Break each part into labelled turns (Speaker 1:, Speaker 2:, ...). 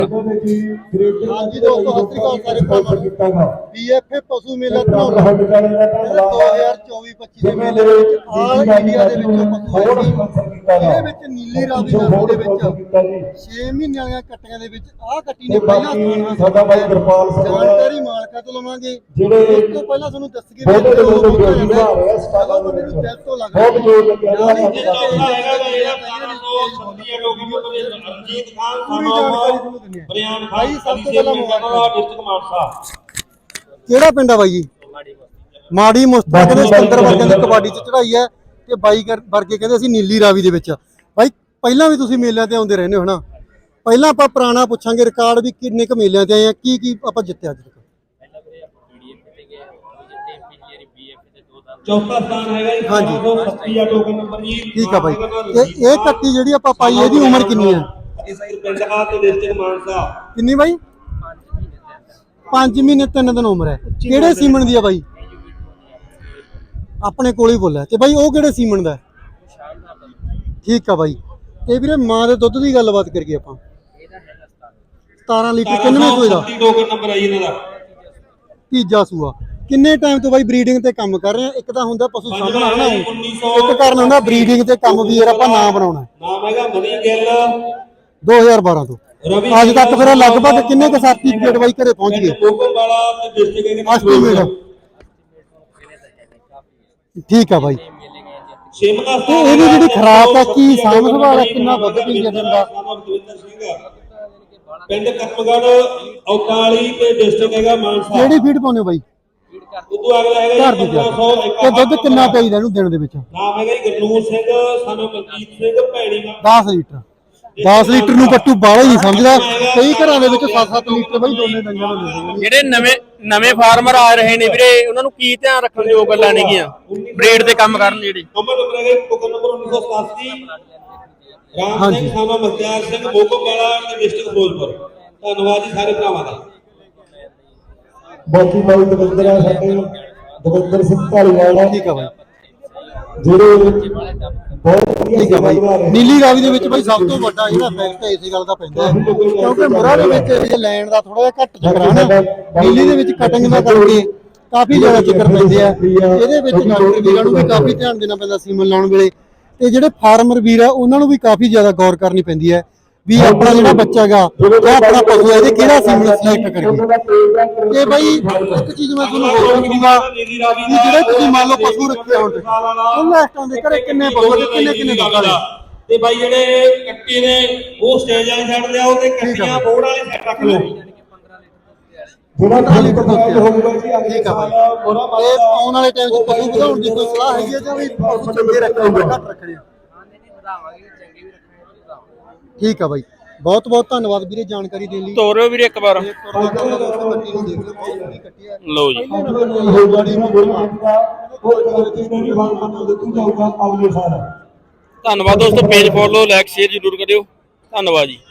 Speaker 1: ਹਾਂਜੀ ਦੋਸਤੋ ਸਤਿ ਸ੍ਰੀ ਅਕਾਲ ਸਾਰੇ ਭਰਾਵਾਂ ਨੂੰ। BFA ਪਸ਼ੂ ਮੇਲਾ ਧਨੌਲਾ 2024-25 ਦੇ ਮੇਲੇ ਦੇ ਵਿੱਚ ਆਲ ਇੰਡੀਆ ਦੇ ਵਿੱਚੋਂ ਪਸ਼ੂ ਆਏ ਸੀ। ਇਹਦੇ ਵਿੱਚ ਨੀਲੀ ਰਾਵੀ ਨਸਲ ਦੇ ਵਿੱਚ 6 ਮਹੀਨਿਆਂ ਵਾਲੀਆਂ ਕੱਟੀਆਂ ਦੇ ਵਿੱਚ ਆਹ ਕੱਟੀ ਨੇ ਪਹਿਲਾ ਸਥਾਨ ਹਾਸਲ ਕੀਤਾ। ਜਾਣਕਾਰੀ ਮਾਲਕਾਂ ਤੋਂ ਲਵਾਂਗੇ। ਉਸ ਤੋਂ ਪਹਿਲਾਂ ਤੁਹਾਨੂੰ ਦੱਸੀਏ ਵੀ ਇਹ ਲੋਕ ਹੁੰਦਾ ਜਾਂਦਾ ਜਦੋਂ ਬੰਦੇ ਨੂੰ ਦਿਲ ਤੋਂ ਲੱਗਦਾ ਭਾਈ ਸਭ ਤੋਂ ਪਹਿਲਾਂ
Speaker 2: ਡਿਸਟ੍ਰਿਕਟ ਮਾਨਸਾ
Speaker 1: ਕਿਹੜਾ ਪਿੰਡ ਆ ਬਾਈ ਜੀ? ਮਾੜੀ ਮੁਸਤਫਾ ਦੇ ਸਿਕੰਦਰ ਵਰਗਿਆਂ ਦੀ ਕਬੱਡੀ ਚ ਚੜਾਈ ਹੈ ਤੇ ਬਾਈ ਵਰਗੇ ਕਹਿੰਦੇ ਅਸੀਂ ਨੀਲੀ ਰਾਵੀ ਦੇ ਵਿੱਚ। ਬਾਈ ਪਹਿਲਾਂ ਵੀ ਤੁਸੀਂ ਮੇਲਿਆਂ ਤੇ ਆਉਂਦੇ ਰਹਿੰਦੇ ਹੋ ਨਾ, ਪਹਿਲਾਂ ਆਪਾਂ ਪੁਰਾਣਾ ਪੁੱਛਾਂਗੇ ਰਿਕਾਰਡ ਵੀ ਕਿੰਨੇ ਕੁ ਮੇਲਿਆਂ ਤੇ ਆਏ ਆ, ਕੀ ਆਪਾਂ ਜਿੱਤਿਆ ਅੱਜ ਤੱਕ?
Speaker 2: ਚੌਥਾ ਸਥਾਨ ਹੈਗਾ ਜੀ।
Speaker 1: ਹਾਂਜੀ
Speaker 2: 170 ਆ ਟੋਕਨ ਨੰਬਰ ਜੀ।
Speaker 1: ਠੀਕ ਆ ਬਾਈ। ਇਹ ਕੱਟੀ ਜਿਹੜੀ ਆਪਾਂ ਪਾਈ ਇਹਦੀ ਉਮਰ ਕਿੰਨੀ ਹੈ?
Speaker 2: ਇਸ ਪਿੰਡ ਆ ਤੇ ਡਿਸਟ੍ਰਿਕਟ ਮਾਨਸਾ।
Speaker 1: ਕਿੰਨੀ ਬਾਈ? 5 ਮਹੀਨੇ 3 ਦਿਨ ਉਮਰ ਹੈ। ਕਿਹੜੇ ਸੀਮਨ ਦੀ ਆ ਬਾਈ? ਆਪਣੇ ਕੋਲ ਹੀ ਬੋਲਿਆ। ਤੇ ਬਾਈ ਉਹ ਕਿਹੜੇ ਸੀਮਨ ਦਾ? ਠੀਕ ਆ ਬਾਈ। ਤੇ ਵੀਰੇ ਮਾਂ ਦੇ ਦੁੱਧ ਦੀ ਗੱਲਬਾਤ ਕਰੀਏ ਆਪਾਂ। 17 ਲੀਟਰ ਕਿੰਨੇ ਸੂਏ ਦਾ?
Speaker 2: ਟੋਕਨ ਨੰਬਰ ਆ ਜੀ ਇਹਨਾਂ ਦਾ।
Speaker 1: ਤੀਜਾ ਸੂਆ। ਕਿੰਨੇ ਟਾਈਮ ਤੋਂ ਬਾਈ ਬਰੀਡਿੰਗ ਤੇ ਕੰਮ ਕਰ ਰਹੇ ਆ? ਇੱਕ ਤਾਂ ਹੁੰਦਾ ਪਸ਼ੂ ਸਾਂਭਣਾ ਹਨਾ, ਇੱਕ ਕਾਰਨ ਹੁੰਦਾ ਬਰੀਡਿੰਗ ਤੇ ਕੰਮ ਵੀ ਯਾਰ ਆਪਾਂ ਨਾ ਬਣਾਉਣਾ।
Speaker 2: ਨਾਮ ਹੈਗਾ ਮਨੀ ਗਿੱਲ।
Speaker 1: 2012 ਤੋਂ ਅੱਜ ਤੱਕ ਫਿਰ ਲਗਭਗ ਕਿੰਨੇ ਕੁ ਸਰਟੀਫਿਕੇਟ ਬਾਈ ਘਰੇ ਪਹੁੰਚ ਗਏ?
Speaker 2: ਕੋਕਲ ਵਾਲਾ ਤੇ ਡਿਸਟ੍ਰਿਕਟ
Speaker 1: ਐਸਟੀਮੇਟ। ਠੀਕ ਆ ਬਾਈ।
Speaker 2: ਛੇਵਾਂ
Speaker 1: ਤੇ ਇਹਦੀ ਜਿਹੜੀ ਖਰਾਕ ਆ ਕੀ ਸਾਂਭ ਸੰਭਾਲ ਆ, ਕਿੰਨਾ ਦੁੱਧ ਪੀ ਜਾਂਦਾ ਦਾ?
Speaker 2: ਪਿੰਡ ਕਰਮਗੜ ਔਕਾਲੀ ਤੇ ਡਿਸਟ੍ਰਿਕਟ ਹੈਗਾ ਮਾਨਸਾ।
Speaker 1: ਕਿਹੜੀ ਫੀਡ ਪਾਉਂਦੇ ਹੋ ਬਾਈ?
Speaker 2: ਉਦੋਂ ਅਗਲਾ ਹੈਗਾ
Speaker 1: ਘਰ ਦੀ ਤੇ ਦੁੱਧ ਕਿੰਨਾ ਚਾਹੀਦਾ ਇਹਨੂੰ ਦਿਨ ਦੇ ਵਿੱਚ?
Speaker 2: ਨਾਮ ਹੈਗਾ ਜੀ ਗੁਰਨੂਰ ਸਿੰਘ ਸਾਨੂੰ ਮਨਜੀਤ ਸਿੰਘ ਭੈਣੀ।
Speaker 1: 10 ਲੀਟਰ। 10 ਲੀਟਰ ਨੂੰ ਪੱਟੂ ਬਾਹਲਾ ਹੀ ਸਮਝਦਾ। ਕਈ ਘਰਾਂ ਦੇ ਵਿੱਚ 7-7 ਲੀਟਰ ਬਾਈ ਦੋਨੇ ਡੰਗਾਂ ਨੂੰ ਦਿੰਦੇ ਨੇ।
Speaker 3: ਜਿਹੜੇ ਨਵੇਂ ਫਾਰਮਰ ਆ ਰਹੇ ਨੇ ਵੀਰੇ, ਉਹਨਾਂ ਨੂੰ ਕੀ ਧਿਆਨ ਰੱਖਣ ਦੀ ਗੱਲਾਂ ਨੇਗੀਆਂ ਬਰੀਡ ਤੇ ਕੰਮ ਕਰਨ ਜਿਹੜੇ?
Speaker 2: ਨੰਬਰ ਹੈਗਾ ਟੋਕਨ ਨੰਬਰ 1987 ਰਾਮ ਸਿੰਘ ਸਾਨੂੰ ਮਖਤਿਆਰ ਸਿੰਘ ਮੋਕੋਵਾਲਾ ਤੇ ਡਿਸਟ੍ਰਿਕਟ ਫਿਰੋਜ਼ਪੁਰ। ਧੰਨਵਾਦ ਜੀ ਸਾਰੇ ਭਰਾਵਾਂ ਦਾ।
Speaker 4: ਬਾਕੀ ਬਾਈ ਦਵਿੰਦਰ ਆ ਸਾਡੇ ਦਵਿੰਦਰ ਸਿੰਘ ਧਾਲੀਵਾਲ।
Speaker 1: ਠੀਕ ਆ ਬਾਈ।
Speaker 4: ਜਿਹੜੇ ਬਹੁਤ
Speaker 1: ਠੀਕ ਆ ਬਾਈ। ਨੀਲੀ ਰਾਵੀ ਦੇ ਵਿੱਚ ਬਾਈ ਸਭ ਤੋਂ ਵੱਡਾ ਜਿਹੜਾ ਫੈਕਟ ਇਸੇ ਗੱਲ ਦਾ ਪੈਂਦਾ ਹੈ ਕਿਉਂਕਿ ਮੁਰਾ ਦੇ ਵਿੱਚ ਇਹ ਲੈਣ ਦਾ ਥੋੜਾ ਜਿਹਾ ਘੱਟ ਚੱਕਰ ਹੈ ਨਾ। ਨੀਲੀ ਦੇ ਵਿੱਚ ਕਟਿੰਗ ਦਾ ਕਰਕੇ ਕਾਫੀ ਜ਼ਿਆਦਾ ਚੱਕਰ ਪੈਂਦੇ ਆ। ਇਹਦੇ ਵਿੱਚ ਡਾਕਟਰ ਵੀਰਾਂ ਨੂੰ ਵੀ ਕਾਫੀ ਧਿਆਨ ਦੇਣਾ ਪੈਂਦਾ ਸੀਮਨ ਲਾਉਣ ਵੇਲੇ, ਤੇ ਜਿਹੜੇ ਫਾਰਮਰ ਵੀਰ ਆ ਉਹਨਾਂ ਨੂੰ ਵੀ ਕਾਫੀ ਜ਼ਿਆਦਾ ਗੌਰ ਕਰਨੀ ਪੈਂਦੀ ਹੈ ਵੀ ਆਪਣਾ ਜਿਹੜਾ ਬੱਚਾ ਗਾ ਜਾਂ ਆਪਣਾ ਪਸ਼ੂ ਹੈ ਇਹਦੇ ਕਿਹੜਾ ਸੀਮਨ ਸਿਲੈਕਟ ਕਰੀਏ। ਤੇ ਬਾਈ ਇੱਕ ਚੀਜ਼ ਮੈਂ ਤੁਹਾਨੂੰ ਹੋਰ ਦੱਸੂਗਾ ਵੀ ਜਿਹੜੇ ਤੁਸੀਂ ਮੰਨ ਲਓ ਪਸ਼ੂ ਰੱਖੇ ਹੋਣ ਤੇ ਉਹਨਾਂ ਇਸ ਦੇ ਘਰੇ ਕਿੰਨੇ ਪਸ਼ੂ ਤੇ ਕਿੰਨੇ ਦੁੱਧ ਵਾਲੇ?
Speaker 2: ਤੇ ਬਾਈ ਜਿਹੜੇ ਕੱਟੀ ਨੇ ਉਹ ਸਟੇਜ ਵਾਲੀ ਸਾਈਡ ਲਿਆਓ ਤੇ ਕੱਟੀਆਂ ਬੋਰਡ ਵਾਲੀ ਸਾਈਡ ਰੱਖ ਲਓ।
Speaker 4: ਜਿਹੜਾ 15 ਲੀਟਰ ਦੁੱਧ ਹੋਊਗਾ ਜੀ ਅਗਲੇ
Speaker 1: ਠੀਕ ਆ ਬਾਈ।
Speaker 4: ਸਾਲ
Speaker 1: ਇਹ ਆਉਣ ਵਾਲੇ ਟਾਈਮ 'ਚ ਪਸ਼ੂ ਵਧਾਉਣ ਦੀ ਕੋਈ ਸਲਾਹ ਹੈਗੀ ਹੈ ਜਾਂ ਵੀ ਪਸ਼ੂ ਚੰਗੇ ਰੱਖਣੇ ਘੱਟ ਰੱਖਣੇ? ਠੀਕ ਆ ਬਾਈ। ਬਹੁਤ ਬਹੁਤ ਧੰਨਵਾਦ ਵੀਰੇ ਜਾਣਕਾਰੀ ਦੇਣ ਲਈ।
Speaker 3: ਤੋਰਿਓ ਵੀਰੇ ਇੱਕ ਵਾਰ। ਲਓ ਜੀ ਧੰਨਵਾਦ ਦੋਸਤੋ। ਪੇਜ ਫੋਲੋ ਲਾਈਕ ਸ਼ੇਅਰ ਜ਼ਰੂਰ ਕਰਿਓ। ਧੰਨਵਾਦ ਜੀ।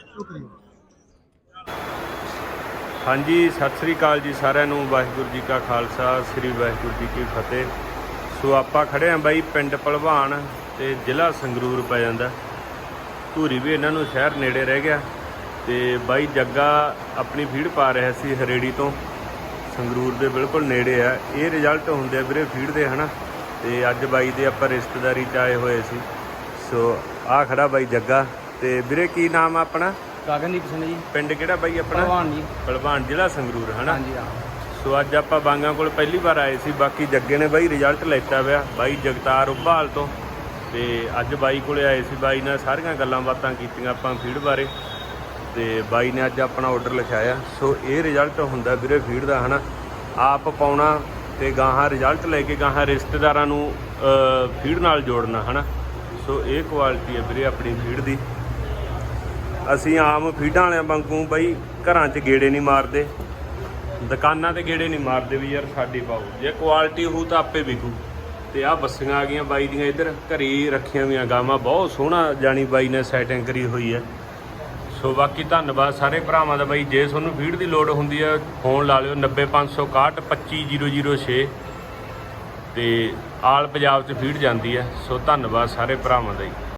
Speaker 5: ਹਾਂਜੀ ਸਤਿ ਸ੍ਰੀ ਅਕਾਲ ਜੀ ਸਾਰਿਆਂ ਨੂੰ। ਵਾਹਿਗੁਰੂ ਜੀ ਕਾ ਖਾਲਸਾ ਸ੍ਰੀ ਵਾਹਿਗੁਰੂ ਜੀ ਕੀ ਫਤਿਹ। ਸੋ ਆਪਾਂ ਖੜੇ ਆਂ ਬਾਈ ਪਿੰਡ ਭਲਵਾਨ ਤੇ ਜ਼ਿਲ੍ਹਾ ਸੰਗਰੂਰ ਪੈ ਜਾਂਦਾ। ਧੂਰੀ ਵੀ ਇਹਨਾਂ ਨੂੰ ਸ਼ਹਿਰ ਨੇੜੇ ਰਹਿ ਗਿਆ। ਤੇ ਬਾਈ ਜੱਗਾ ਆਪਣੀ ਫੀਡ ਪਾ ਰਿਹਾ ਸੀ ਹਰੇੜੀ ਤੋਂ, ਸੰਗਰੂਰ ਦੇ ਬਿਲਕੁਲ ਨੇੜੇ ਆ। ਇਹ ਰਿਜ਼ਲਟ ਹੁੰਦੇ ਆ ਵੀਰੇ ਫੀਡ ਦੇ ਹਨਾ। ਤੇ ਅੱਜ ਬਾਈ ਦੇ ਆਪਾਂ ਰਿਸ਼ਤੇਦਾਰੀ 'ਚ ਆਏ ਹੋਏ ਸੀ। ਸੋ ਆਹ ਖੜਾ ਬਾਈ ਜੱਗਾ। ਤੇ ਵੀਰੇ ਕੀ ਨਾਮ ਆ ਆਪਣਾ?
Speaker 3: ਗਗਨਦੀਪ ਸਿੰਘ ਜੀ।
Speaker 5: ਪਿੰਡ ਕਿਹੜਾ ਬਾਈ ਆਪਣਾ?
Speaker 3: ਭਲਵਾਨ ਜੀ।
Speaker 5: ਭਲਵਾਨ ਜ਼ਿਲ੍ਹਾ ਸੰਗਰੂਰ ਹਨਾ।
Speaker 3: ਹਾਂਜੀ ਹਾਂ।
Speaker 5: ਸੋ ਅੱਜ ਆਪਾਂ ਬਾਂਗਾਂ ਕੋਲ ਪਹਿਲੀ ਵਾਰ ਆਏ ਸੀ। ਬਾਕੀ ਜੱਗੇ ਨੇ ਬਾਈ ਰਿਜ਼ਲਟ ਲੈਤਾ ਪਿਆ ਬਾਈ ਜਗਤਾਰ ਉਭਾਲ ਤੋਂ। ਤੇ ਅੱਜ ਬਾਈ ਕੋਲੇ ਆਏ ਸੀ। ਬਾਈ ਨਾਲ ਸਾਰੀਆਂ ਗੱਲਾਂ ਬਾਤਾਂ ਕੀਤੀਆਂ ਆਪਾਂ ਫੀਡ ਬਾਰੇ। ਤੇ ਬਾਈ ਨੇ ਅੱਜ ਆਪਣਾ ਆਰਡਰ ਲਿਖਾਇਆ। ਸੋ ਇਹ ਰਿਜ਼ਲਟ ਹੁੰਦਾ ਵੀਰੇ ਫੀਡ ਦਾ ਹਨਾ। ਆਪ ਪਾਉਣਾ ਤੇ ਗਾਹਾਂ ਰਿਜ਼ਲਟ ਲੈ ਕੇ ਗਾਹਾਂ ਰਿਸ਼ਤੇਦਾਰਾਂ ਨੂੰ ਫੀਡ ਨਾਲ ਜੋੜਨਾ ਹਨਾ। ਸੋ ਇਹ ਕੁਆਲਿਟੀ ਹੈ ਵੀਰੇ ਆਪਣੀ ਫੀਡ ਦੀ। ਅਸੀਂ ਆਮ ਫੀਡਾਂ ਵਾਲਿਆਂ ਵਾਂਗੂ ਬਾਈ ਘਰਾਂ 'ਚ ਗੇੜੇ ਨਹੀਂ ਮਾਰਦੇ, ਦੁਕਾਨਾਂ ਤੇ ਗੇੜੇ ਨਹੀਂ ਮਾਰਦੇ ਵੀ ਯਾਰ ਸਾਡੀ ਪਾਓ। ਜੇ ਕੁਆਲਿਟੀ ਹੋਊ ਤਾਂ ਆਪੇ ਵਿਕੂ। ਤੇ ਆਹ ਬੱਸੀਆਂ ਆ ਗਈਆਂ ਬਾਈ ਦੀਆਂ ਇੱਧਰ ਘਰੇ ਰੱਖੀਆਂ ਵੀਆਂ ਗਾਵਾਂ। ਬਹੁਤ ਸੋਹਣਾ ਜਾਣੀ ਬਾਈ ਨੇ ਸੈਟਿੰਗ ਕਰੀ ਹੋਈ ਹੈ। ਸੋ ਬਾਕੀ ਧੰਨਵਾਦ ਸਾਰੇ ਭਰਾਵਾਂ ਦਾ ਬਾਈ। ਜੇ ਤੁਹਾਨੂੰ ਫੀਡ ਦੀ ਲੋੜ ਹੁੰਦੀ ਹੈ ਫੋਨ ਲਾ ਲਿਓ 90561 25006 ਤੇ ਆਲ ਪੰਜਾਬ 'ਚ ਫੀਡ ਜਾਂਦੀ ਹੈ। ਸੋ ਧੰਨਵਾਦ ਸਾਰੇ ਭਰਾਵਾਂ ਦਾ ਜੀ।